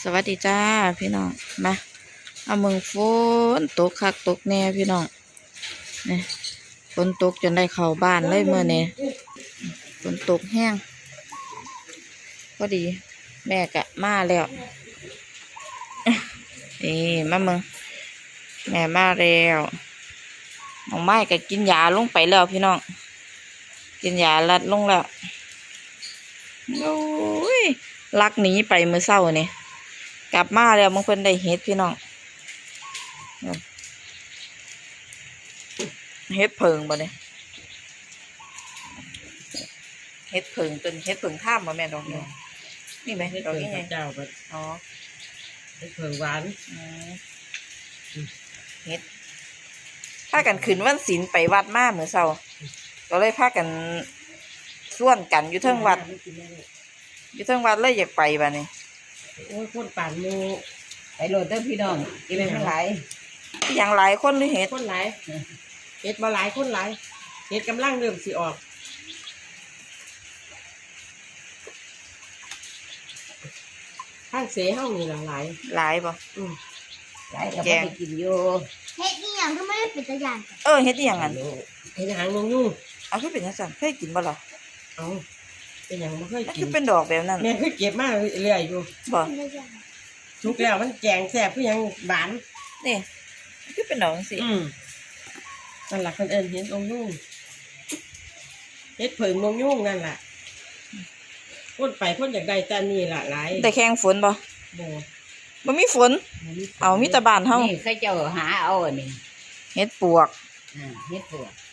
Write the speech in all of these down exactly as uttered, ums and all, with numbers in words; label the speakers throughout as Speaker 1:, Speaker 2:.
Speaker 1: สวัสดีจ้าพี่น้องมาเอาเมืองฝนตกคักตกแน่พี่น้องนี่ฝนตกจนได้เข้าบ้านเลยเมื่อนี้ฝนตกแห้งพอดีแม่กะมาแล้วนี่มาเมืองแม่มาแล้วน้องไม้ก็กินยาลงไปแล้วพี่น้องกินยาลัดลงแล้วโอ้ยลักหนีไปเมื่อเช้านี่กลับมาแล้วบางคนได้เฮ็ดพี่น้องเฮ็ดเพิงบ่เนี่ยเฮ็ดเพิงเป็นเฮ็ดเพิงข้ามบ่แม่ดอกนี้นี่ไหมดอกนี้ไง
Speaker 2: เจ้าก็
Speaker 1: อ๋อ
Speaker 2: เฮ็ดเพิงหวาน
Speaker 1: เฮ็ดพากันขึ้นวันศีลไปวัดมาเมื่อเช้าก็เลยพากันส่วนกันอยู่เทิงวัดอยู่เทิงวัดเลยอยากไปบ่เนี่ย
Speaker 2: โอ้ยคนป่านหมู่
Speaker 3: ไปโหลดเด้อพี่น้องกินไปเท่าไหร่
Speaker 1: อย่างหลายคนหรือเฮ็ด
Speaker 2: คนหลายเฮ็ดมาหลายคนหลายเฮ็ดกำลังเริ่มสิออกข้างเสเฮานี่ล่ะหลาย
Speaker 1: หลายบ่
Speaker 2: อือ
Speaker 3: หลายก็บ่ได้กินอยู่
Speaker 4: เฮ็ดอีหยังก็ไม่ได้เป็นตะยาน
Speaker 1: เออเฮ็ดอีหยังงั้น
Speaker 2: เฮ็ดหางนงยุ่ง
Speaker 1: เอาคือเป็นจังซั่นเคยกินบ่ล่ะ
Speaker 2: เอาเป็นหยังบ่เคยกิน
Speaker 1: คือเป็นดอกแบบนั้น
Speaker 2: แม่เคยเก็บมาเรื่อยอยู่
Speaker 1: บ่
Speaker 2: ทุกแล้วมันแกงแซ่บคือหยังหวาน
Speaker 1: นี่คือเป็นดอกจังซี่
Speaker 2: อืมนั่นล่ะเพิ่นเอิ้นเฮ็ดนงยุ่งเฮ็ดเพิงนงยุ่งนั่นล่ะคนไปคนอยากได้แต่นี่ล่ะหลาย
Speaker 1: แต่แข่งฝนบ่
Speaker 2: บ่
Speaker 1: บ่มีฝนเอามีแต่บ้านเฮา
Speaker 3: นี่เคยเจ้าหาเอาอันนี้
Speaker 1: เฮ็ดปวก
Speaker 3: อ่าเฮ็ดปวก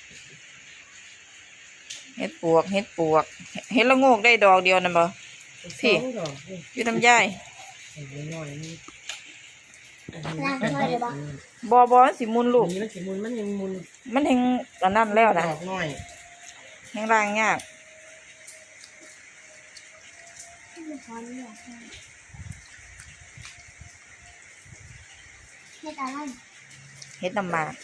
Speaker 1: เฮ็ดปวกเฮ็ดปวกเฮ็ดละโงกได้ดอกเดียวนั่นบ่พี่อยู่ทำยายบ่บ่มันสิมุนลูก
Speaker 2: มันสิมุนมันยังมุน
Speaker 1: มันแฮงอันนั้นแล้วนะ
Speaker 2: ดอกน้อย
Speaker 1: แฮงล้างยาก
Speaker 4: เฮ็ดอะไร
Speaker 1: เฮ็ดน้ำหมาก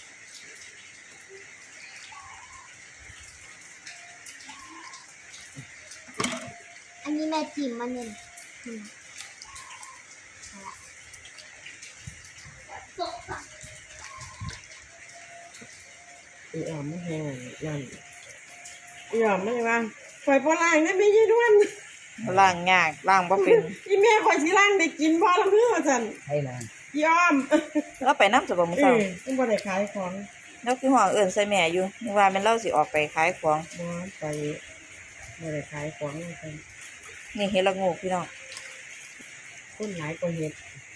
Speaker 4: อันนี้แม่จิ้มมันเนี่ย
Speaker 2: อีอ่อมไม่แห้งนั่นอีอ่อมไม่ว่าข่อยบ่ล้างได้ไม่ยี่ด้วน
Speaker 1: ล้างยากล้างบ่เป็น
Speaker 2: อีแม่ข่อยสิล้างได้กินบ่ละเพื่อว่าซั่น
Speaker 3: ให้ล้าง
Speaker 2: อีอ่อม
Speaker 1: แล้วไปนำจะบ่มื้อเช้า
Speaker 2: เออบ่ได้ขายของ
Speaker 1: แล้วคือห้องเอิ้นใส่แม่อยู่นึกว่าแม่นเราสิออกไปขายของ
Speaker 2: บ่ไปบ่ได้ขายของซั่น
Speaker 1: นี่เฮ็ดละโงกพี่น้อง
Speaker 2: คนหลายกว่าเฮ็ด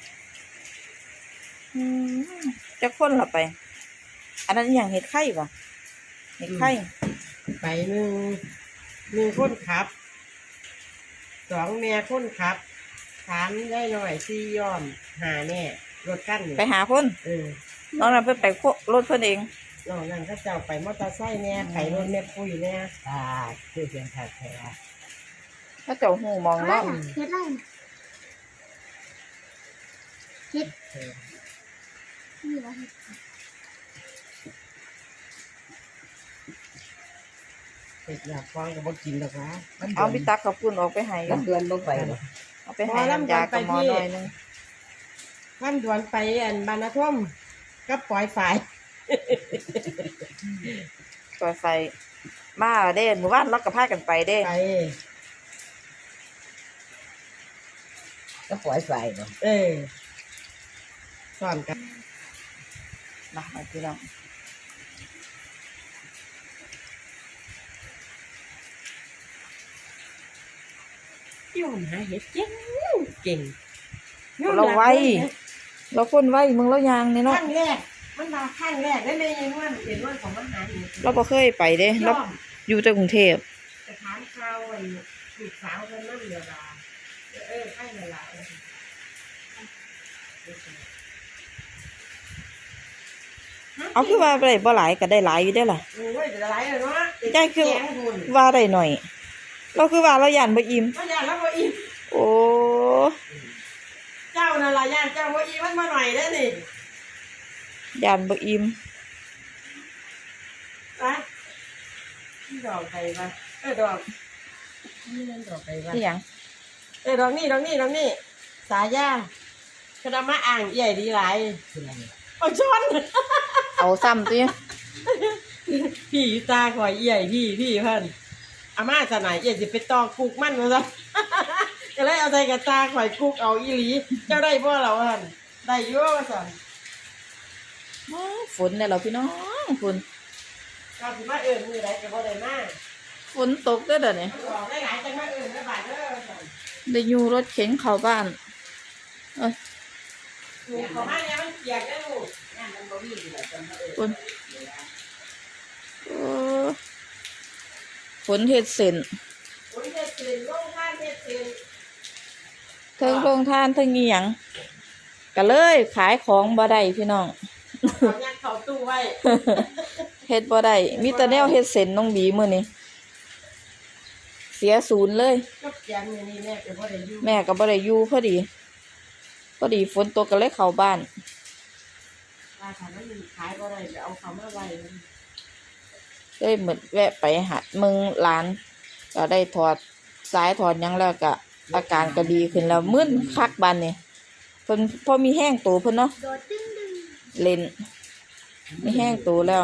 Speaker 1: อืมจักคนละไปอันนั้นอีหยังเฮ็ดไข่บ่เฮ็ดไข่
Speaker 2: ไปหนึ่งหนึ่งคนขับสองแม่คนขับสามได้หน่อยสี่ยอมหาแน่รถกั้น
Speaker 1: ไปหาคน
Speaker 2: เออ
Speaker 1: น้องนั้นเพิ่นไปรถเพิ่นเอง
Speaker 2: น้องนั่นก็เจ้าไปมอเตอร์ไซค์แน่ไปรถแม่ปุ้ยแน่
Speaker 3: อ่าคือเสียงแท้แท้
Speaker 1: เขาเจ้าหูมองเนาะ
Speaker 4: เฮ็ดอะไรเฮ็ดนี่ว่าเฮ็ด
Speaker 2: เฮ็ดอยากฟังก็บ่กินดอกนะ
Speaker 1: เอาพี่ตักกับปุ่นออกไปให้
Speaker 3: ลำดวนบ่ไปบ่
Speaker 1: เอาไปให้น้ำยากับหมอหน่อยนึง
Speaker 2: ลำดวนไปอันบรรณท่มก็ปล่อยฝ่าย
Speaker 1: ปล่อยไฟมาเด้หมู่บ้านเราก็พากันไปเด้
Speaker 2: ไป
Speaker 3: ก็ปล่อยไฟบ่
Speaker 2: เออสอนกัน
Speaker 1: มาเอาพี่น้อง
Speaker 2: ยอมหาเห็ดเก่งเก่ง
Speaker 1: เราไวเราคนไวมึงเรายางนี่เนาะ
Speaker 2: ขั้นแรกมันมาขั้นแรกได้เลยยังว่าเห็นว่าของมันหาอยู่
Speaker 1: เราบ่เคยไปเด้เราอยู่แต่กรุงเทพ
Speaker 2: สถานข่าวไอ้ลูกสาวกันนั่นเดียวดาเออให้ละละ
Speaker 1: เอาคือว่าได้บ่หลายก็ได้หลายอยู่ได้ล่ะ
Speaker 2: โอ้ยจะหลายเลยเนาะ
Speaker 1: ได้คือว่าได้หน่อยเราคือว่าเราย่านบ่อิ่ม
Speaker 2: เราย่านเราบ่อิ่ม
Speaker 1: โอ้
Speaker 2: เจ้านั่นล่ะย่านเจ้าบ่อิ่มมันมาหน่อยเด้อนี่
Speaker 1: ย่านบ่อิ่ม
Speaker 2: ไปดอกไผ่ป่ะเออดอกนี่นั่นดอกไผ่ป่ะ
Speaker 1: นี่หยัง
Speaker 2: เออดอกนี่ดอกนี่ดอกนี่สายาคณะมาอ่างใหญ่ดีหลาย
Speaker 3: คืออะไร
Speaker 2: เอาช้อน
Speaker 1: เอาซ้ำติ
Speaker 2: พี่ตาข่อยใหญ่พี่พี่เพิ่นอาม่าจะไหนใหญ่สิไปตอกกุกมันมาซะ ก็เลยเอาใจกับตาข่อยกุกเอาอีหลี เจ้าได้บ่เราเพิ่นได้อยู่ว่าซั่น
Speaker 1: ฝนเนี่ยเราพี่น้องฝน
Speaker 2: ก็สิมาเอิ้นมื้อใดก็บ่ได้มา
Speaker 1: ฝนตกเด้อเดี๋ยวนี้
Speaker 2: ออกหลายๆจังมาเอิ้นได้บาดเด้อว่าซั่น
Speaker 1: ได้อยู่รถเข็นเข้าบ้านเอ้ย
Speaker 2: ลูกเขามาเนี่ยมันเปียกได้อลูก
Speaker 3: นั่นมันบ่มีอยู่แล้วจนมาเออ
Speaker 1: ฝนโอ้ฝนเฮ็ดเส้น
Speaker 2: โอ้ยเฮ็ดตื่นลงท่านเฮ็ดตื่น
Speaker 1: เทิงโรงทานเทิงอีหยังก็เลยขายของบ่ได้พี่น้อง
Speaker 2: เขายัดเข้าตู้ไว้
Speaker 1: เฮ็ดบ่ได้มีแต่แนวเฮ็ดเส้นน้องบีมื้อนี้เสียศูนย์เลย
Speaker 2: ก็เปียกมื้อนี้แม่ก็บ่ได้อยู่
Speaker 1: แม่ก็บ่ได้อยู่พอดีพอดีฝนตกก็เลยเข้าบ้าน
Speaker 2: ว่าถ้ามันขายบ่ได้ก็เอาเขามาไว้
Speaker 1: เลยเหมือนแวะไปหาเมืองร้านก็ได้ถอดสายถอดหยังแล้วก็อาการก็ดีขึ้นแล้วมึนคักบันนี่เพิ่นพอมีแห้งตัวเพิ่นเนาะ
Speaker 4: โดดตึ้งดึง
Speaker 1: เล่นมีแห้งตัวแล้ว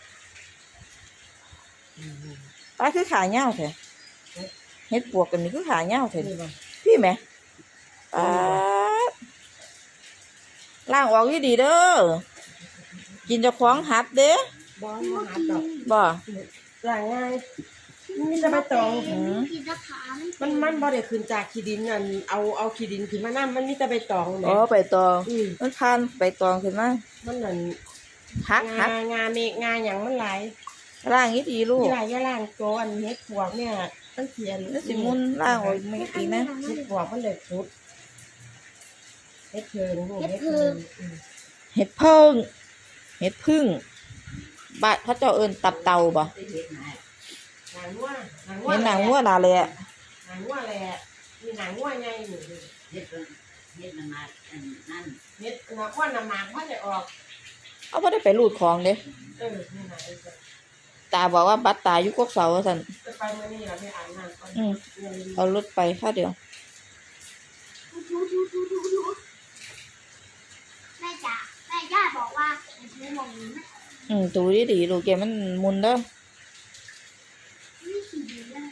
Speaker 1: ตาคือขาเหย้าแท้เฮ็ดปวกกันนี่คือขาเหย้าแท้
Speaker 2: นี่บ่
Speaker 1: พี่แหมปาดล้างออกดีๆเด้อกินเจ้าของหัดเด้อ
Speaker 2: บ่มาหาดอก
Speaker 1: บ่
Speaker 2: ล้างง่ายมีแต่ใบตอง
Speaker 1: อืม
Speaker 4: กินตะขา
Speaker 2: มันมันบ่ได้ขึ้นจากขี้ดินนั่นเอาเอาขี้ดินขึ้นมานํมันมีแต่ใบตองแหม
Speaker 1: อ๋อไปตอง
Speaker 2: อืม
Speaker 1: มันผ่านไปตองขึ้นมา
Speaker 2: มันนั่น
Speaker 1: หักหั
Speaker 2: งาก งาเมฆงาหยังมันหลาย
Speaker 1: ล่างนี้ดีลูก
Speaker 2: มีหลายอย่างล่างโตอันเฮ็ดปวกเนี่ยตั้งเขียน
Speaker 1: แล้วสิมุนล่างออกไม่ดีนะ
Speaker 2: เฮ็ดปวกมันได้สุดเฮ็ดเพิงลูกเฮ็ดเพิงอืม
Speaker 1: เห็ดเพิ่งเห็ดพึ่งบาดเขาเจ้าเอินตับเตาบ่
Speaker 3: ไปเฮ็ดมา
Speaker 2: หนังวัวหนังวัว
Speaker 1: เห็นหนังวัวนาเลยอะ
Speaker 2: หนังวัวแหละมีหนังวัวใหญ่อยู่
Speaker 3: เฮ็ดมันเฮ็ดมันมาอันนั่น
Speaker 2: เฮ็ดหนังวัวน้ำหมากมันได้ออก
Speaker 1: เอาไ่ได้ไปรูดของเด้
Speaker 2: เออนี่นะเออ
Speaker 1: ตาบอกว่าบัดตาอยู่กกเสาว่าซั่น
Speaker 2: จะไปมื้อนี้ล่ะไปอาบน้ำก่อน
Speaker 1: อืม
Speaker 2: เงิน
Speaker 1: เอารถไปค่าเดียว
Speaker 4: ทูทูทูทูทูทูแม่จ๋าแม่ย่าบอกว่าให้ซื้อหมองนี้นะ
Speaker 1: อืมตูดีๆลูกแกมันมุนเด้อ
Speaker 4: ไม่ขี่ดีเลย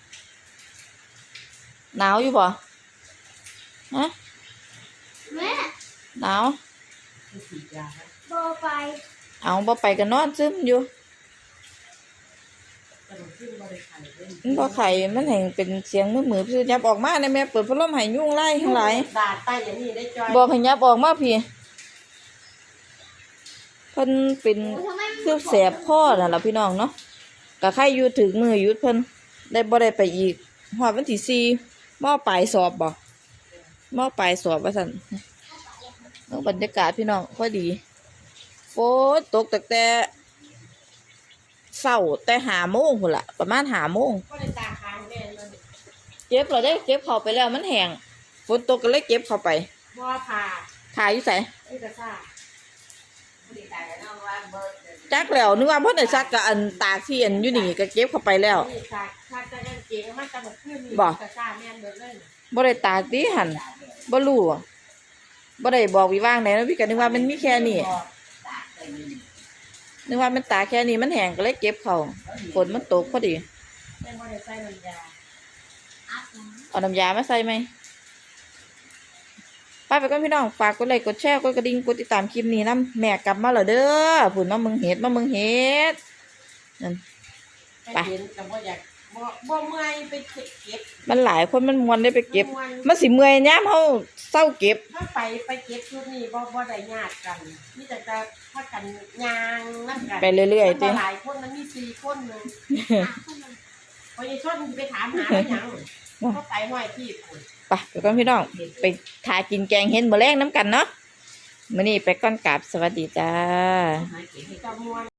Speaker 1: หนาวอยู่บ่ฮะ
Speaker 4: แม่
Speaker 1: หนาว
Speaker 3: คือสียาครับ
Speaker 4: โบไป
Speaker 1: เอาบ่ไปก็นอนซึมอยู่
Speaker 2: จะลงขึ้นบ่ได้ขายเด้
Speaker 1: มันบ่ไข่มันแห่งเป็นเสียงมือๆซื่อยับออกมาได้แม่เปิดพัดลมให้ยุงไล่ทั้งหลาย
Speaker 2: ดาดใต้อย่างนี้ได้จอย
Speaker 1: บอกให้ยับออกมาพี่เพิ่นเป็น
Speaker 4: โอ้ทำไมมัน
Speaker 1: คือแสบคอนั่นล่ะพี่น้องเนาะก็ใครอยู่ถึงมือหยุดเพิ่นได้บ่ได้ไปอีกฮอดวันที่สี่มอปลายสอบบ่มอปลายสอบว่าซั่นเบิ่งบรรยากาศพี่น้องพอดีฝนตกตั้งแต่เช้าแต่ห้าโมงพุ่นล่ะประมาณห้าโมง
Speaker 2: ก็เลยตาคางแม่มัน
Speaker 1: เก็บเราได้เก็บเข้าไปแล้วมันแห้งฝนตกก็เลยเก็บเข้าไป
Speaker 2: บ่ผ่า
Speaker 1: ถ่ายอยู่ไส
Speaker 2: ไอ้กระซ่า
Speaker 3: ผู้ใดตายแล้วว่าเบิด
Speaker 1: จักแล้วนึกว่าเพิ่นได้ซักกับอันตากที่อันอยู่นี่ก็เก็บเข้าไปแล้ว
Speaker 2: นี่ตากถ้าจะกางเกงมันจะหมดขึ้นนี่
Speaker 1: บ่
Speaker 2: กระซ่าแม่นเบิดเลย
Speaker 1: บ่ได้ตากติหั่นบ่รู้อะบ่ได้บอกวิว่างไหนนะพี่ก็นึกว่ามันมีแค่นี้
Speaker 2: บ่
Speaker 3: ตากไปนี่
Speaker 1: นึกว่ามันตากแค่นี้มันแห้งก็เลยเก็บเข้าฝนมันตกพอดี
Speaker 2: แม่บ่ได้ใส่น้ำยา
Speaker 4: อัพนะ
Speaker 1: เอาน้ำยามาใส่ไหมไปไปก่อนพี่น้องฝากกดไลค์กดแชร์กดกระดิ่งกดติดตามคลิปนี้นํแม่กลับมาแล้วเด้อพุ่นมามึงเฮ็ดมามึงเฮ็ดนั่น
Speaker 2: ไปเห็นแต่บ่อยากบ่บ่เมื่อยไปเก็บ
Speaker 1: มันหลายคนมันมวนได้ไปเก็บ
Speaker 2: ม่วน
Speaker 1: มันสิเมื่อยยามเฮาเศร้าเก็บ
Speaker 2: ถ้าไปไปเก็บชุดนี้บ่บ่ได้ญาติกันมีแต่จะพากันย่างนั่นกัน
Speaker 1: ไปเรื่อยๆติ
Speaker 2: มันบ่หลายคนมันมีสี่คนหนึง
Speaker 4: อ่ะเข้ามา
Speaker 2: พอยายชดไปถามหาว่าหยังเขาไปห้อยที่พุ่น
Speaker 1: ไปไปก่อนพี่น้องไปทากินแกงเห็ดมื้อแรงน้ำกันเนาะมื้อนี้ไปก่อนกราบสวัสดีจ้า
Speaker 3: หาเก็บให้
Speaker 2: จะม่วน